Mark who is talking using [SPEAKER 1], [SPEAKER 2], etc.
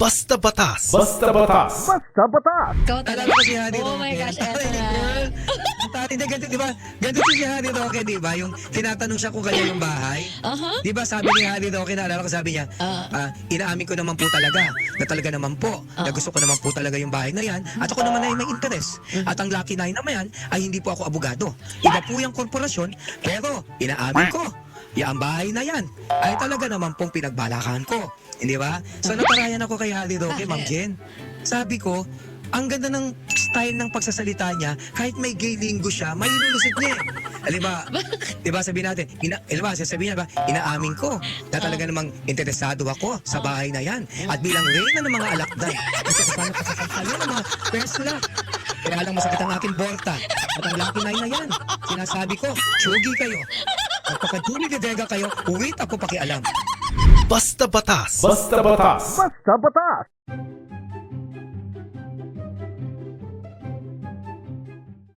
[SPEAKER 1] Basta Batas.
[SPEAKER 2] Basta Batas.
[SPEAKER 3] Basta Batas!
[SPEAKER 4] Ikaw
[SPEAKER 5] Alala
[SPEAKER 4] talaga.
[SPEAKER 5] ko si Harry
[SPEAKER 4] Oh
[SPEAKER 5] Roque.
[SPEAKER 4] my gosh, eto na.
[SPEAKER 5] Hindi, ganito, di ba? Ganito si Harry Roque, di ba? Yung tinatanong siya kung kanya yung bahay.
[SPEAKER 4] Aha.
[SPEAKER 5] Di ba sabi ni Harry Roque, naalala ko sabi niya, inaamin ko naman po talaga, na talaga naman po, na gusto ko naman po talaga yung bahay na yan, at ako naman ay may interest. At ang Lucky 9 naman yan, ay hindi po ako abogado. Iba po yung korporasyon, pero inaamin ko, ang bahay na yan, ay talaga naman pong pinagbalakan ko. Hindi ba? So naparayan ako kay Harry Roque, Ma'am Jen. Sabi ko, ang ganda ng style ng pagsasalita niya, kahit may gay lingo siya, may lulusit niya. Di ba sabihin natin, sasabihin niya ba, inaamin ko na talaga namang interesado ako sa bahay na yan. At bilang reyna ng mga alakdan, gusto ko sana pasasasalo ng mga persla. Kaya lang masakit ang aking borta. At ang Lucky 9 na yan, sinasabi ko, tsugi kayo. At pagka-Julie de Vega kayo, uwit ako pakialam.
[SPEAKER 1] Basta Batas.
[SPEAKER 2] Basta Batas.
[SPEAKER 3] Basta Batas!